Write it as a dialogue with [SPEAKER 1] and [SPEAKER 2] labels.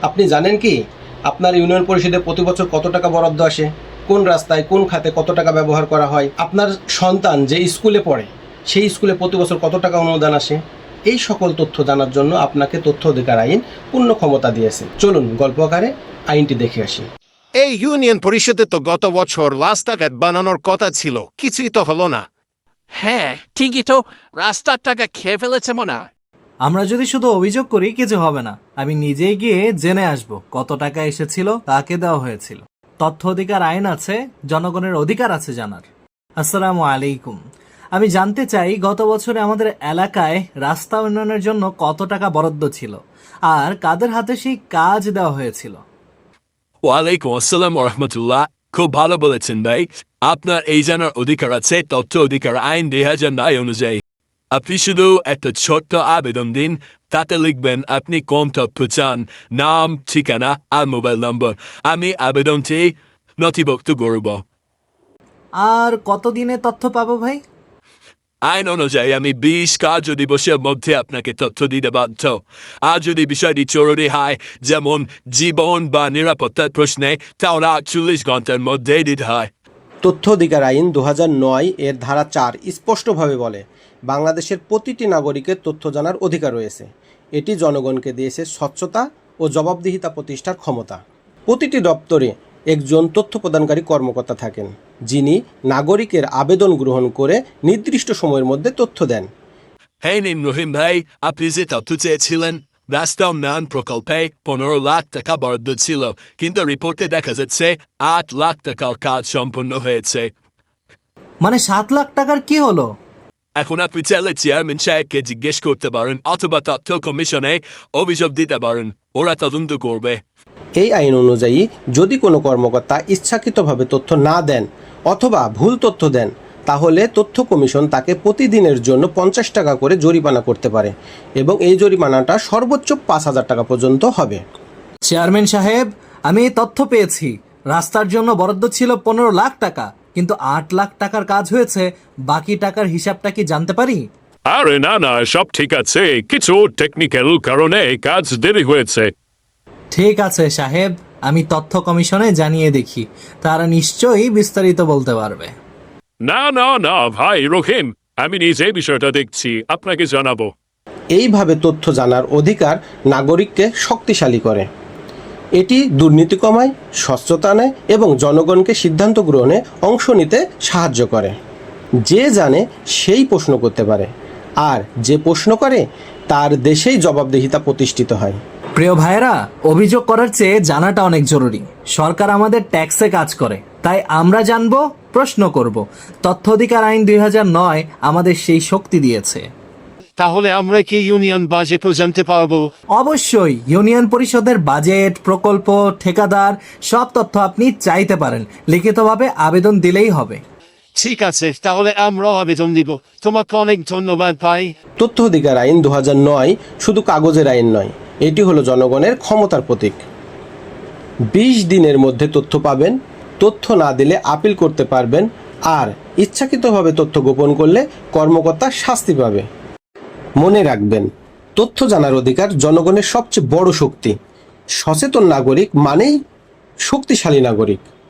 [SPEAKER 1] আপনি জানেন কি আপনার ইউনিয়ন পরিষদে প্রতি বছর কত টাকা বরাদ্দ আসে, কোন রাস্তায় কোন খাতে কত টাকা ব্যবহার করা হয়, আপনার সন্তান যে স্কুলে পড়ে সেই স্কুলে প্রতি বছর কত টাকা অনুদান আসে? এই সকল তথ্য জানার জন্য আপনাকে তথ্য অধিকার আইন পূর্ণ ক্ষমতা দিয়েছে। চলুন গল্প আকারে আইনটি দেখে আসি।
[SPEAKER 2] এই ইউনিয়ন পরিষদে তো গত বছর রাস্তাঘাট বানানোর কথা ছিল, কিছুই তো হলো না।
[SPEAKER 3] হ্যাঁ ঠিকই তো, রাস্তার টাকা খেয়ে ফেলেছে মনে হয়।
[SPEAKER 4] আমরা যদি শুধু অভিযোগ করি কিছু হবে না, আমি নিজেই গিয়ে জেনে আসব কত টাকা এসেছিল, কাকে দেওয়া হয়েছিল। তথ্য অধিকার আইন আছে, জনগণের অধিকার আছে জানার। আসসালামু আলাইকুম। আমি জানতে চাই গত বছরে আমাদের এলাকায় রাস্তা উন্নয়নের জন্য কত টাকা বরাদ্দ ছিল আর কাদের হাতে সেই কাজ দেওয়া হয়েছিল।
[SPEAKER 5] ওয়ালাইকুম আসসালাম রহমতুল্লাহ, খুব ভালো বলেছেন ভাই। আপনার এই জানার অধিকার আছে তথ্য অধিকার আইন 2009 অনুযায়ী। আপনি শুধু একটা ছোট্ট আবেদন দিন, তাতে লিখবেন আপনি কোন তথ্য চান, নাম, ঠিকানা আর মোবাইল নম্বর। আমি আবেদনটি নথিভুক্ত করব।
[SPEAKER 4] আর কতদিনে তথ্য পাবো ভাই?
[SPEAKER 5] আইন অনুযায়ী আমি 20 কার্য দিবসের মধ্যে আপনাকে তথ্য দিতে বাধ্য। আর যদি বিষয়টি জরুরি হয়, যেমন জীবন বা নিরাপত্তার প্রশ্নে, তাহলে 48 ঘন্টার মধ্যে দিতে হয়।
[SPEAKER 1] তথ্য অধিকার আইন 2009 এর ধারা 4 স্পষ্টভাবে বলে বাংলাদেশের প্রতিটি নাগরিকের তথ্য জানার অধিকার রয়েছে। এটি জনগণকে দিয়েছে স্বচ্ছতা ও জবাবদিহিতা প্রতিষ্ঠার ক্ষমতা। প্রতিটি দপ্তরে একজন তথ্য প্রদানকারী কর্মকর্তা থাকেন, যিনি নাগরিকের আবেদন গ্রহণ করে নির্দিষ্ট সময়ের মধ্যে তথ্য দেন।
[SPEAKER 5] হ্যাঁ নিন রহিম ভাই, আপনি যে তথ্য চেয়েছিলেন, রাস্তা উন্নয়ন প্রকল্পে 15 লাখ টাকা বরাদ্দ ছিল, কিন্তু রিপোর্টে দেখা যাচ্ছে 8 লাখ টাকার কাজ সম্পন্ন হয়েছে।
[SPEAKER 4] মানে 7 লাখ টাকার কি হলো?
[SPEAKER 5] এখন আপনি চাইলে চেয়ারম্যান সাহেবকে জিজ্ঞেস করতে পারেন, অথবা তথ্য কমিশনে অভিযোগ দিতে পারেন, ওরা তদন্ত করবে।
[SPEAKER 1] এই আইন অনুযায়ী যদি কোনো কর্মকর্তা ইচ্ছাকৃতভাবে তথ্য না দেন অথবা ভুল তথ্য দেন, তাহলে তথ্য কমিশন তাকে প্রতিদিনের জন্য 50 টাকা করে জরিমানা করতে পারে এবং এই জরিমানাটা সর্বোচ্চ 5,000 টাকা পর্যন্ত হবে।
[SPEAKER 4] চেয়ারম্যান সাহেব, আমি এই তথ্য পেয়েছি। রাস্তার জন্য বরাদ্দ ছিল 15 লাখ টাকা, কিন্তু 8 লাখ টাকার কাজ হয়েছে। বাকি টাকার হিসাবটা কি জানতে পারি?
[SPEAKER 6] আরে না না, সব ঠিক আছে, কিছু টেকনিক্যাল কারণে কাজ দেরি হয়েছে।
[SPEAKER 4] ঠিক আছে সাহেব, আমি তথ্য কমিশনে জানিয়ে দেখি, তারা নিশ্চয়ই বিস্তারিত বলতে পারবে।
[SPEAKER 6] না না না ভাই রহিম, আমি নিজে বিষয়টা দেখছি, আপনাকে জানাবো।
[SPEAKER 1] এইভাবে তথ্য জানার অধিকার নাগরিককে শক্তিশালী করে। এটি দুর্নীতি কমায়, স্বচ্ছতা আনে এবং জনগণকে সিদ্ধান্ত গ্রহণে অংশ নিতে সাহায্য করে। যে জানে সেই প্রশ্ন করতে পারে, আর যে প্রশ্ন করে তার দেশেই জবাবদিহিতা প্রতিষ্ঠিত হয়।
[SPEAKER 4] প্রিয় ভাইয়েরা, অভিযোগ করার চেয়ে জানাটা অনেক জরুরি। সরকার আমাদের ট্যাক্সে কাজ করে, তাই আমরা জানবো, প্রশ্ন করব। তথ্য অধিকার আইন 2009 আমাদের সেই শক্তি দিয়েছে।
[SPEAKER 2] তাহলে আমরা কি ইউনিয়ন বাজেটও জানতে পারবো?
[SPEAKER 4] অবশ্যই, ইউনিয়ন পরিষদের বাজেট, প্রকল্প, ঠিকাদার সব তথ্য আপনি চাইতে পারেন। লিখিতভাবে আবেদন দিলেই হবে।
[SPEAKER 2] ঠিক আছে, তাহলে আমরাও আবেদন দিব। তোমাকে অনেক ধন্যবাদ ভাই।
[SPEAKER 1] তথ্য অধিকার আইন 2009 শুধু কাগজের আইন নয়, এটি হলো জনগণের ক্ষমতার প্রতীক। 20 দিনের মধ্যে তথ্য পাবেন, তথ্য না দিলে আপিল করতে পারবেন, আর ইচ্ছাকৃতভাবে তথ্য গোপন করলে কর্মকর্তা শাস্তি পাবে। মনে রাখবেন, তথ্য জানার অধিকার জনগণের সবচেয়ে বড় শক্তি। সচেতন নাগরিক মানেই শক্তিশালী নাগরিক।